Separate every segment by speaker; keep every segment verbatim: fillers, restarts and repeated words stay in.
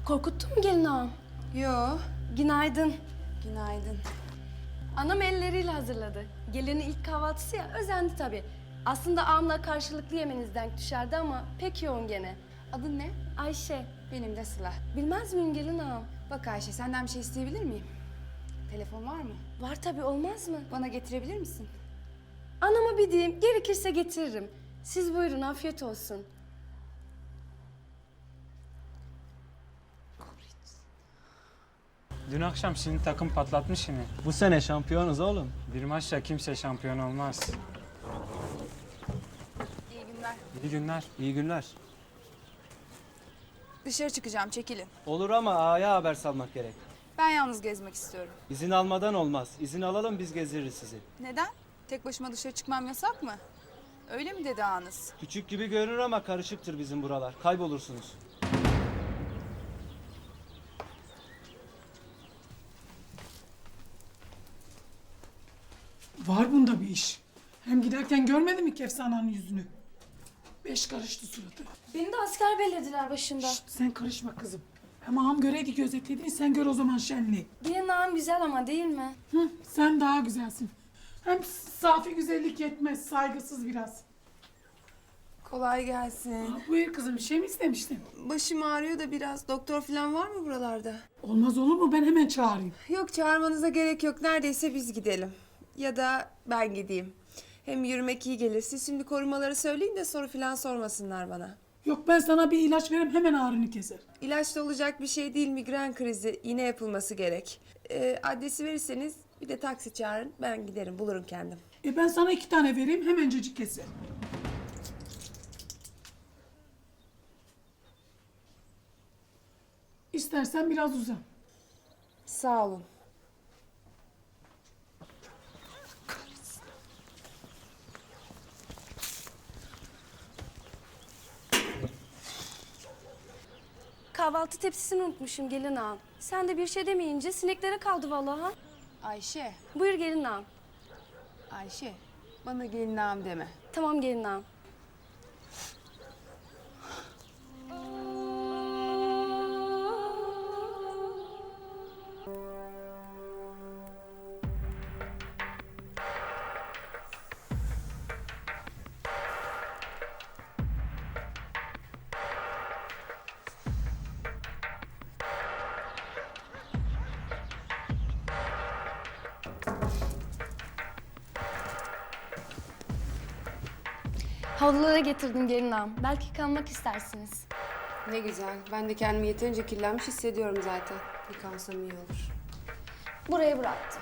Speaker 1: Korkuttun mu gelin ağam?
Speaker 2: Yo,
Speaker 1: Günaydın.
Speaker 2: günaydın.
Speaker 1: Anam elleriyle hazırladı. Gelinin ilk kahvaltısı ya, özendi tabii. Aslında ağamla karşılıklı yemeniz denk düşerdi ama pek yoğun gene.
Speaker 2: Adın ne?
Speaker 1: Ayşe,
Speaker 2: Benim de Sıla.
Speaker 1: bilmez miyim gelin ağam?
Speaker 2: Bak Ayşe, senden bir şey isteyebilir miyim? Telefon var mı?
Speaker 1: Var tabii, olmaz mı?
Speaker 2: Bana getirebilir misin?
Speaker 1: Anama bir diyeyim, gerekirse getiririm. Siz buyurun, afiyet olsun.
Speaker 3: Dün akşam sizin takım patlatmış yine.
Speaker 4: Bu sene şampiyonuz oğlum.
Speaker 3: Bir maçla kimse şampiyon olmaz.
Speaker 2: İyi günler.
Speaker 3: İyi günler.
Speaker 4: İyi günler.
Speaker 2: Dışarı çıkacağım, çekilin.
Speaker 4: Olur ama ağaya haber salmak gerek.
Speaker 2: Ben yalnız gezmek istiyorum.
Speaker 4: İzin almadan olmaz. İzin alalım, biz gezdiririz sizi.
Speaker 2: Neden? Tek başıma dışarı çıkmam yasak mı? Öyle mi dedi ağanız?
Speaker 4: Küçük gibi görünür ama karışıktır bizim buralar. Kaybolursunuz.
Speaker 5: Var bunda bir iş. Hem giderken görmedi mi Kefsana'nın yüzünü? Beş karıştı suratı.
Speaker 1: Beni de asker bellediler başında.
Speaker 5: Şşt, sen karışma kızım. Hem ağam göreydi gözetlediğini, sen gör o zaman şenliği.
Speaker 1: Gelin ağam güzel ama değil mi?
Speaker 5: Hı, sen daha güzelsin. Hem safi güzellik yetmez, saygısız biraz.
Speaker 2: Kolay gelsin.
Speaker 5: Buyur kızım, bir şey mi istemiştin?
Speaker 2: Başım ağrıyor da biraz. Doktor falan var mı buralarda?
Speaker 5: Olmaz olur mu? Ben hemen çağırayım.
Speaker 6: Yok, çağırmanıza gerek yok. Neredeyse biz gidelim. Ya da ben gideyim. Hem yürümek iyi gelir. Siz şimdi korumaları söyleyin de soru falan sormasınlar bana.
Speaker 5: Yok, ben sana bir ilaç veririm, hemen ağrını keser.
Speaker 6: İlaçla olacak bir şey değil, migren krizi. Yine yapılması gerek. Ee, adresi verirseniz bir de taksi çağırın. Ben giderim, bulurum kendim.
Speaker 5: E ben sana iki tane vereyim, hemencecik keser. İstersen biraz uzan.
Speaker 6: Sağ olun.
Speaker 1: Kahvaltı tepsisini unutmuşum gelin ağam. Sen de bir şey demeyince sineklere kaldı vallahi. Ha?
Speaker 2: Ayşe,
Speaker 1: Buyur gelin ağam.
Speaker 2: Ayşe. Bana gelin ağam deme.
Speaker 1: Tamam gelin ağam. Havlulara getirdim gelin ağam. Belki kalmak istersiniz.
Speaker 6: Ne güzel. Ben de kendimi yeterince kirlenmiş hissediyorum zaten. Yıkansam iyi olur.
Speaker 1: Buraya bıraktım.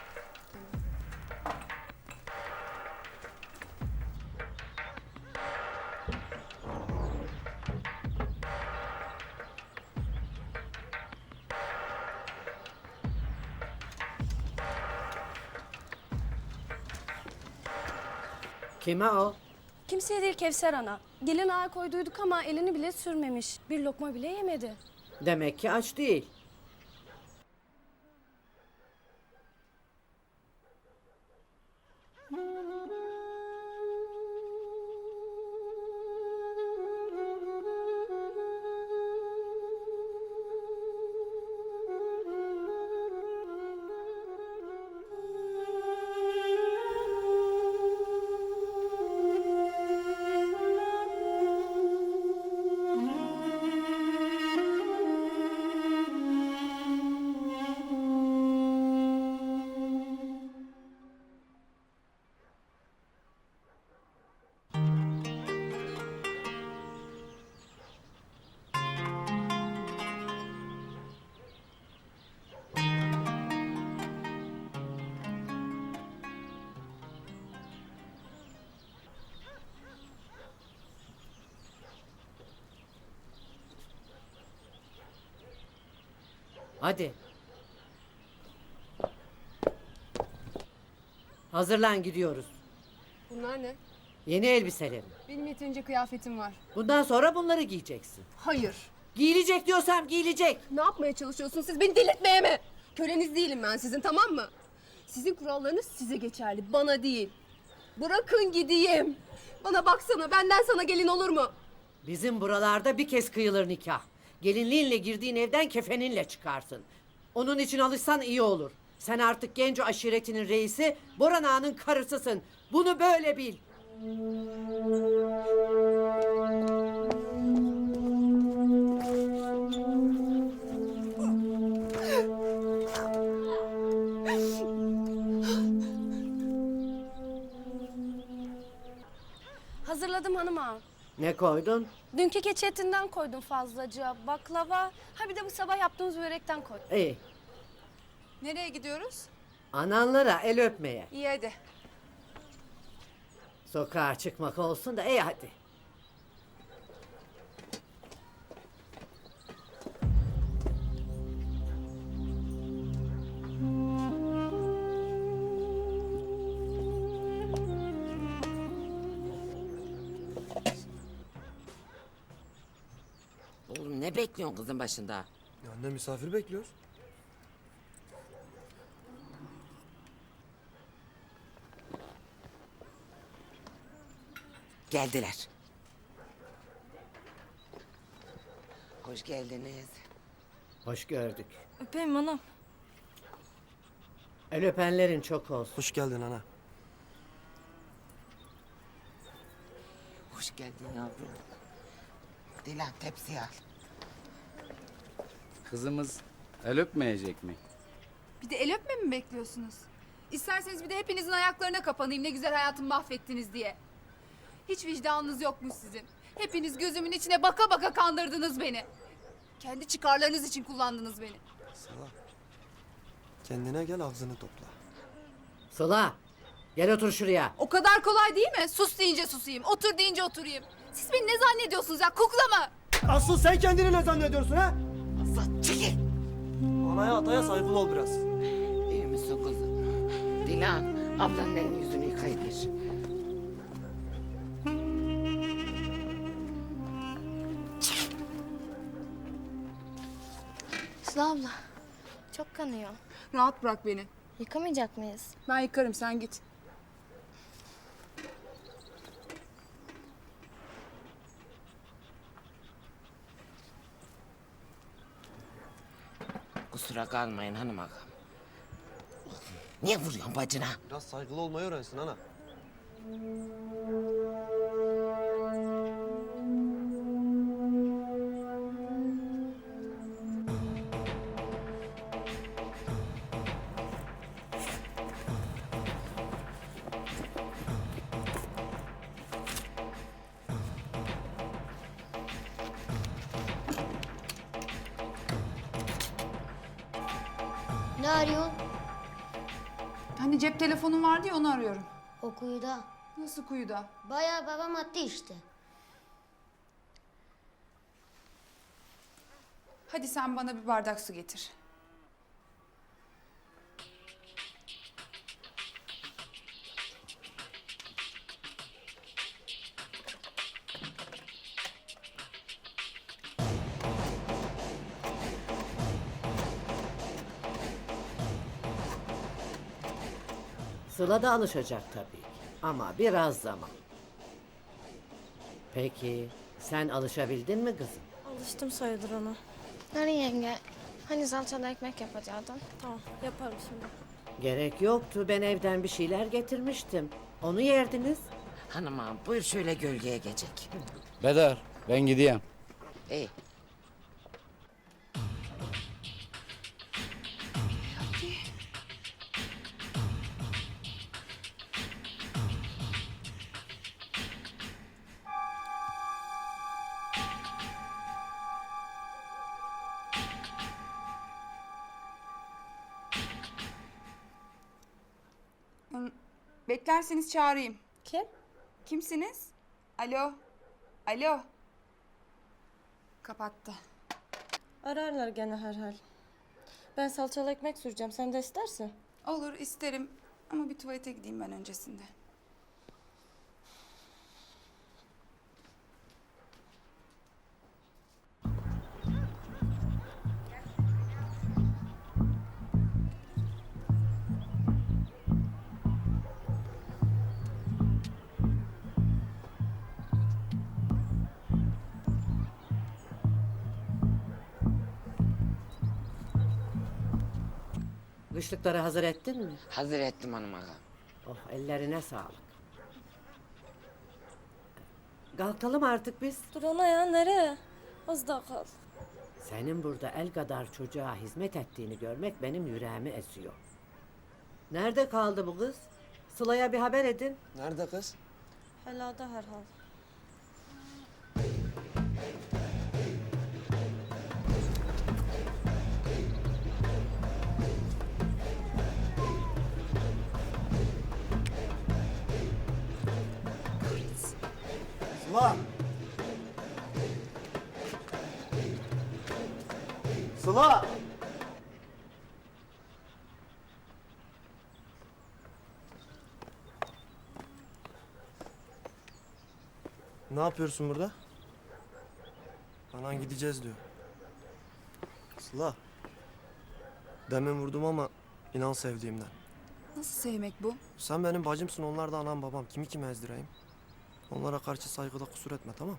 Speaker 7: Kime o?
Speaker 1: Kimseye değil Kevser ana. Gelin ağa koyduyduk ama elini bile sürmemiş. Bir lokma bile yemedi.
Speaker 7: Demek ki aç değil. Hadi. Hazırlan, gidiyoruz.
Speaker 6: Bunlar ne?
Speaker 7: Yeni elbiselerim.
Speaker 2: Benim yeterince kıyafetim var.
Speaker 7: Bundan sonra bunları giyeceksin.
Speaker 2: Hayır.
Speaker 7: Giyilecek diyorsam giyilecek.
Speaker 6: Ne yapmaya çalışıyorsunuz? Siz beni delirtmeye mi? Köleniz değilim ben sizin, tamam mı? Sizin kurallarınız size geçerli, bana değil. Bırakın gideyim. Bana baksana, benden sana gelin olur mu?
Speaker 7: Bizim buralarda bir kez kıyılır nikah. Gelinliğinle girdiğin evden kefeninle çıkarsın. Onun için alışsan iyi olur. Sen artık Genco aşiretinin reisi, Boran Ağa'nın karısısın. Bunu böyle bil.
Speaker 1: Hazırladım hanım ağam.
Speaker 7: Ne koydun?
Speaker 1: Dünkü keçi etinden koydum fazlaca. Baklava. Ha bir de bu sabah yaptığımız börekten koy.
Speaker 7: İyi.
Speaker 2: Nereye gidiyoruz?
Speaker 7: Ananlara el öpmeye.
Speaker 2: İyi hadi.
Speaker 7: Sokağa çıkmak olsun da iyi hadi.
Speaker 8: Oğlum ne bekliyorsun kızın başında?
Speaker 9: Ya anne misafir bekliyoruz.
Speaker 8: Geldiler. Hoş geldiniz.
Speaker 7: Hoş gördük.
Speaker 1: Öpeyim hanım.
Speaker 7: El öpenlerin çok olsun.
Speaker 9: Hoş geldin ana.
Speaker 8: Hoş geldin yavrum. Dilan tepsi al.
Speaker 10: Kızımız el öpmeyecek mi?
Speaker 2: Bir de el öpme mi bekliyorsunuz? İsterseniz bir de hepinizin ayaklarına kapanayım ne güzel hayatımı mahvettiniz diye. Hiç vicdanınız yokmuş sizin. Hepiniz gözümün içine baka baka kandırdınız beni. Kendi çıkarlarınız için kullandınız beni.
Speaker 9: Sıla. Kendine gel, ağzını topla.
Speaker 7: Sıla, gel otur şuraya.
Speaker 2: O kadar kolay değil mi? Sus deyince susayım, otur deyince oturayım. Siz beni ne zannediyorsunuz ya, kukla mı?
Speaker 9: Asıl sen kendini ne zannediyorsun ha?
Speaker 8: Azat çekil.
Speaker 9: Anaya ataya saygılı ol biraz.
Speaker 8: İyi misin kızım? Dilan ablanın elini yüzünü yıkayıver.
Speaker 1: Sıla abla. Çok kanıyor.
Speaker 2: Rahat bırak beni.
Speaker 1: Yıkamayacak mıyız?
Speaker 2: Ben yıkarım, sen git.
Speaker 8: Kusura kalmayın hanım ağam. Niye vuruyorsun bacına?
Speaker 9: Biraz saygılı olmayı öğrensin ana.
Speaker 11: Ne arıyorsun?
Speaker 2: Hani cep telefonun vardı ya, onu arıyorum.
Speaker 11: O kuyuda.
Speaker 2: Nasıl kuyuda?
Speaker 11: Bayağı babam attı işte.
Speaker 2: Hadi sen bana bir bardak su getir.
Speaker 7: Sıla da alışacak tabii. Ama biraz zaman. Peki, sen alışabildin mi kızım?
Speaker 1: Alıştım sayılır ona. Nari yenge. Hani salçalı ekmek yapacaktın. Tamam yaparım şimdi.
Speaker 7: Gerek yoktu. Ben evden bir şeyler getirmiştim. Onu yerdiniz.
Speaker 8: Hanım ağam buyur şöyle gölgeye geçecek.
Speaker 10: Bedar, ben gideyim.
Speaker 8: İyi.
Speaker 2: Beklerseniz çağırayım.
Speaker 1: Kim?
Speaker 2: Kimsiniz? Alo. Alo. Kapattı.
Speaker 1: Ararlar gene herhal. Ben salçalı ekmek süreceğim. Sen de istersin.
Speaker 2: Olur, isterim. Ama bir tuvalete gideyim ben öncesinde.
Speaker 7: Kışlıkları hazır ettin mi?
Speaker 8: Hazır ettim hanım ağam.
Speaker 7: Oh, ellerine sağlık. Kalkalım artık biz.
Speaker 1: Dur ana ya, nereye? Az daha kal.
Speaker 7: Senin burada el kadar çocuğa hizmet ettiğini görmek benim yüreğimi esiyor. Nerede kaldı bu kız? Sıla'ya bir haber edin.
Speaker 9: Nerede kız?
Speaker 1: Helada herhal.
Speaker 9: Sıla! Sıla! Ne yapıyorsun burada? Anan gideceğiz diyor. Sıla. Demin vurdum ama inan sevdiğimden.
Speaker 2: Nasıl sevmek bu?
Speaker 9: Sen benim bacımsın, onlar da anam babam. Kimi kime ezdireyim? Onlara karşı saygıda kusur etme, tamam?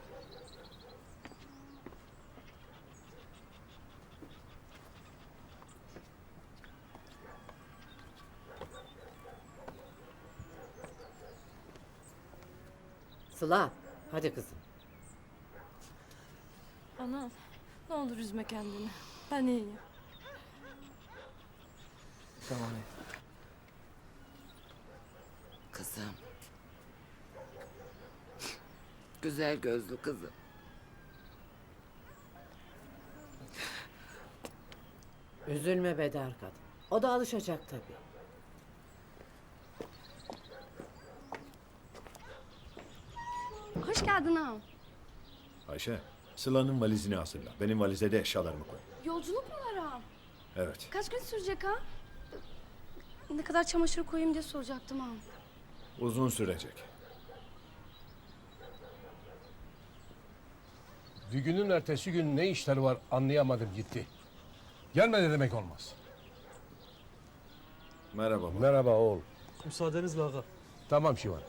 Speaker 7: Sıla, hadi kızım.
Speaker 1: Ana, ne olur üzme kendini. Ben iyiyim.
Speaker 9: Tamam.
Speaker 8: Kızım. Güzel gözlü kızım.
Speaker 7: Üzülme Bedar kadın. O da alışacak tabii.
Speaker 1: Hoş geldin ağam.
Speaker 12: Ayşe, Sıla'nın valizini hazırla. Benim valize de eşyalarımı koy.
Speaker 1: Yolculuk mu var ağam?
Speaker 12: Evet.
Speaker 1: Kaç gün sürecek ha? Ne kadar çamaşır koyayım diye soracaktım ağam.
Speaker 12: Uzun sürecek.
Speaker 13: Düğünün ertesi gün ne işleri var anlayamadım gitti. Gelmedi demek olmaz.
Speaker 12: Merhaba baba.
Speaker 13: Merhaba oğul.
Speaker 4: Müsaadenizle ağa.
Speaker 13: Tamam Şivan.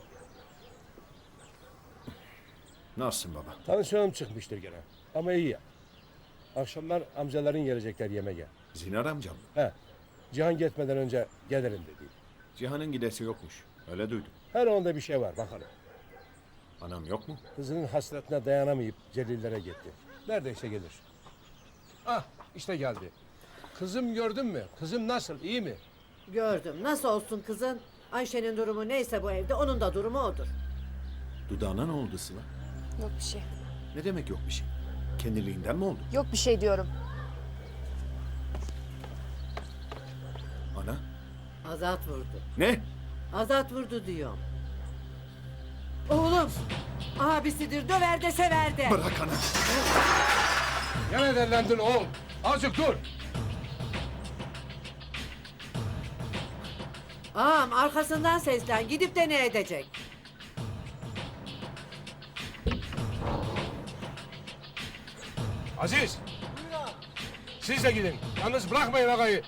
Speaker 12: Nasılsın baba?
Speaker 13: Tansiyonum çıkmıştır gene. Ama iyi ya. Akşamlar amcaların gelecekler yemeğe.
Speaker 12: Zinar amcam mı?
Speaker 13: He. Cihan gitmeden önce gelirim dedi.
Speaker 12: Cihan'ın gidesi yokmuş. Öyle duydum.
Speaker 13: Her onda bir şey var bakalım.
Speaker 12: Anam yok mu?
Speaker 13: Kızının hasretine dayanamayıp Celillere gitti. Neredeyse gelir. Ah işte geldi. Kızım gördün mü? Kızım nasıl? İyi mi?
Speaker 7: Gördüm. Nasıl olsun kızın? Ayşe'nin durumu neyse bu evde, onun da durumu odur.
Speaker 12: Dudağına ne oldu Sıla?
Speaker 2: Yok bir şey.
Speaker 12: Ne demek yok bir şey? Kendiliğinden mi oldu?
Speaker 2: Yok bir şey diyorum.
Speaker 12: Ana?
Speaker 7: Azat vurdu.
Speaker 12: Ne?
Speaker 7: Azat vurdu diyorum. Oğlum, abisidir, döver de sever de.
Speaker 12: Bırak ana.
Speaker 13: Gene derlendin oğul. Azıcık dur.
Speaker 7: Ağam arkasından seslen, gidip de ne edecek?
Speaker 13: Aziz. Siz de gidin. Yalnız bırakmayın ağayı.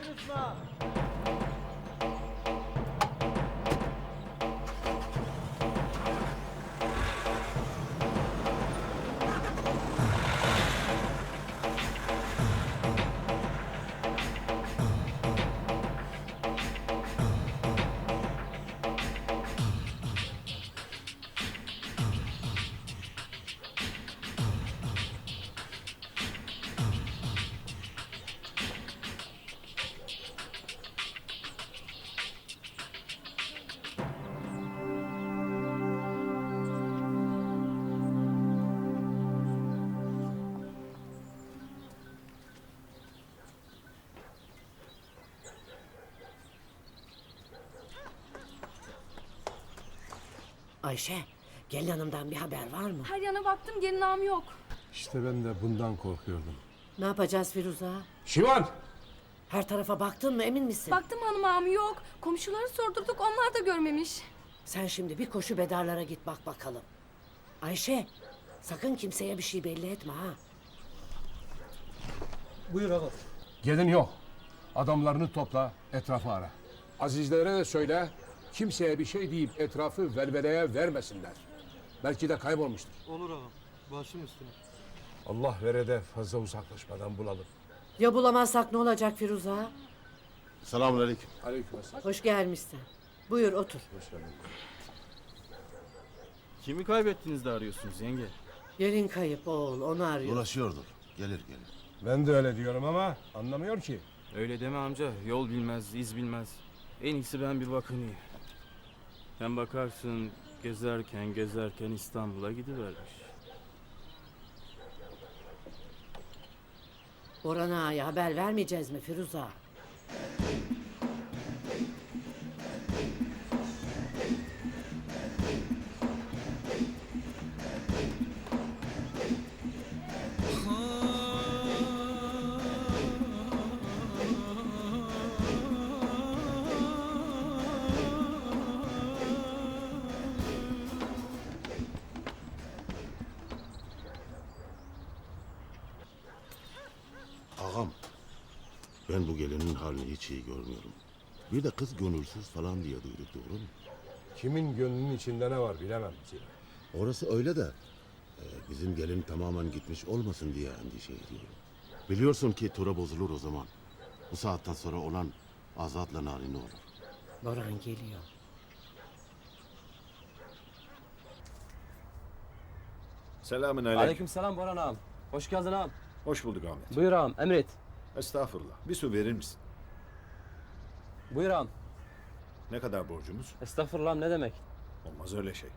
Speaker 7: Ayşe, gelin hanımdan bir haber var mı?
Speaker 1: Her yana baktım, gelin ağam yok.
Speaker 13: İşte ben de bundan korkuyordum.
Speaker 7: Ne yapacağız Firuze?
Speaker 13: Şivan!
Speaker 7: Her tarafa baktın mı, emin misin?
Speaker 1: Baktım hanım ağam yok. Komşuları sordurduk, onlar da görmemiş.
Speaker 7: Sen şimdi bir koşu Bedarlara git bak bakalım. Ayşe, sakın kimseye bir şey belli etme ha.
Speaker 4: Buyur ağa.
Speaker 13: Gelin yok. Adamlarını topla, etrafı ara. Azizlere de söyle, kimseye bir şey deyip etrafı velveleye vermesinler. Belki de kaybolmuştur.
Speaker 4: Olur ağa. Başım üstüne.
Speaker 13: Allah vere de fazla uzaklaşmadan bulalım.
Speaker 7: Ya bulamazsak ne olacak Firuze?
Speaker 12: Selamünaleyküm.
Speaker 13: Aleykümselam.
Speaker 7: Hoş gelmişsin. Buyur otur.
Speaker 4: Kimi kaybettiniz de arıyorsunuz yenge?
Speaker 7: Gelin kayıp oğul, onu arıyor.
Speaker 12: Ulaşıyordur. Gelir gelir.
Speaker 13: Ben de öyle diyorum ama anlamıyor ki.
Speaker 4: Öyle deme amca. Yol bilmez, iz bilmez. En iyisi ben bir bakınayım. Sen bakarsın gezerken gezerken İstanbul'a gidivermiş.
Speaker 7: Boran Ağa'ya haber vermeyeceğiz mi Firuza?
Speaker 12: Ağam, ben bu gelinin halini hiç iyi görmüyorum. Bir de kız gönülsüz falan diye duyduk, doğru mu?
Speaker 13: Kimin gönlünün içinde ne var bilemem Ziya.
Speaker 12: Orası öyle de e, bizim gelin tamamen gitmiş olmasın diye endişe ediyorum. Biliyorsun ki tura bozulur o zaman. Bu saatten sonra olan Azat'la Narin olur.
Speaker 7: Boran geliyor.
Speaker 12: Selamünaleyküm.
Speaker 4: Aleykümselam Boran ağam. Hoş geldin ağam.
Speaker 12: Hoş bulduk Ahmet.
Speaker 4: Buyur ağam, emret.
Speaker 12: Estağfurullah. Bir su verir misin?
Speaker 4: Buyur ağam.
Speaker 12: Ne kadar borcumuz?
Speaker 4: Estağfurullah ne demek?
Speaker 12: Olmaz öyle şey.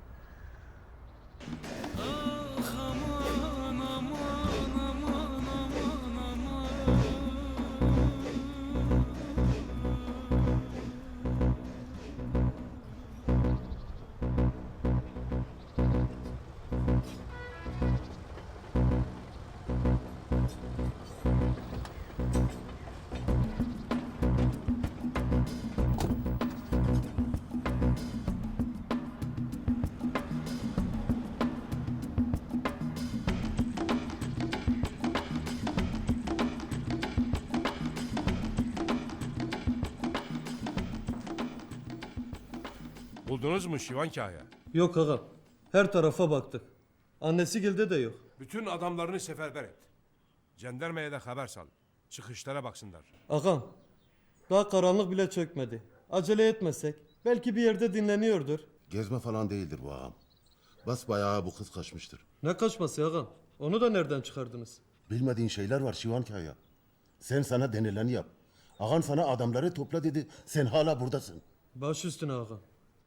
Speaker 13: Buldunuz mu Şivan Kaya?
Speaker 9: Yok ağam. Her tarafa baktık. Annesi gilde de yok.
Speaker 13: Bütün adamlarını seferber et. Jandarmaya da haber sal. Çıkışlara baksınlar.
Speaker 9: Ağam. Daha karanlık bile çökmedi. Acele etmesek. Belki bir yerde dinleniyordur.
Speaker 12: Gezme falan değildir bu ağam. Basbayağı bu kız kaçmıştır.
Speaker 9: Ne kaçması ağam? Onu da nereden çıkardınız?
Speaker 12: Bilmediğin şeyler var Şivan Kaya. Sen sana denileni yap. Ağan sana adamları topla dedi. Sen hala buradasın.
Speaker 9: Baş üstüne ağam.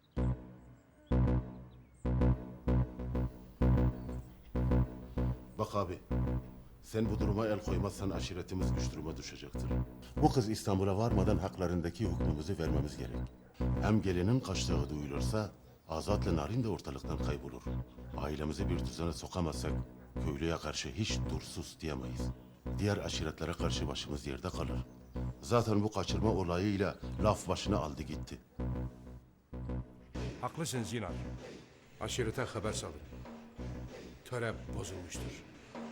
Speaker 12: Bak abi. Sen bu duruma el koymazsan aşiretimiz güç duruma düşecektir. Bu kız İstanbul'a varmadan haklarındaki hükmümüzü vermemiz gerek. Hem gelinin kaçtığı duyulursa Azat'la Narin de ortalıktan kaybolur. Ailemizi bir düzene sokamazsak köylüye karşı hiç dursuz diyemeyiz. Diğer aşiretlere karşı başımız yerde kalır. Zaten bu kaçırma olayıyla laf başına aldı gitti.
Speaker 13: Haklısın Zinar. Aşirete haber salın. Töre bozulmuştur.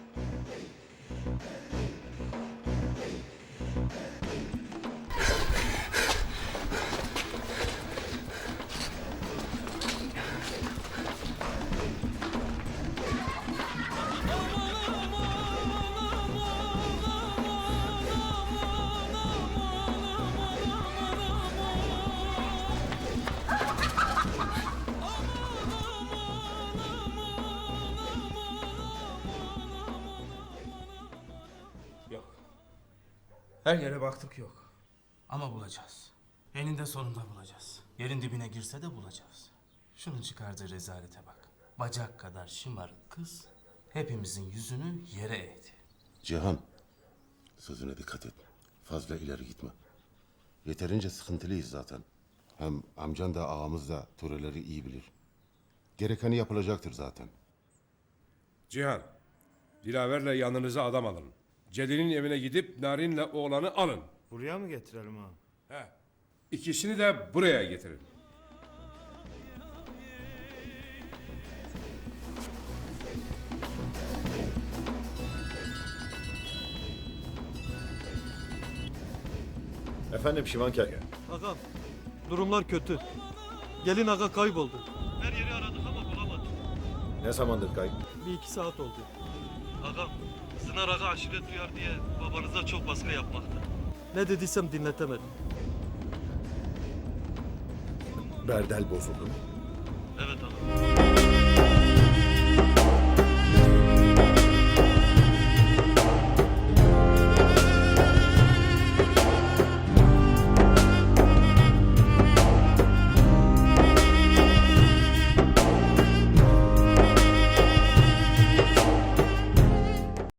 Speaker 4: Her yere baktık yok. Ama bulacağız. Eninde sonunda bulacağız. Yerin dibine girse de bulacağız. Şunun çıkardığı rezalete bak. Bacak kadar şımarık kız hepimizin yüzünü yere eğdi.
Speaker 12: Cihan, sözüne dikkat et. Fazla ileri gitme. Yeterince sıkıntılıyız zaten. Hem amcan da ağamız da töreleri iyi bilir. Gerekeni yapılacaktır zaten.
Speaker 13: Cihan, Dilaver'le yanınıza adam alın. Celil'in evine gidip Narin'le oğlanı alın.
Speaker 4: Buraya mı getirelim ha?
Speaker 13: He. İkisini de buraya getirin.
Speaker 12: Efendim Şivan Kaya.
Speaker 9: Ağam. Durumlar kötü. Gelin ağa kayboldu.
Speaker 12: Ne zamandır kayıp?
Speaker 9: Bir iki saat oldu.
Speaker 14: Ağam, Sınar Ağa aşiret duyar diye babanıza çok baskı yapmakta.
Speaker 9: Ne dediysem dinletemedim.
Speaker 12: Berdel bozuldu mu?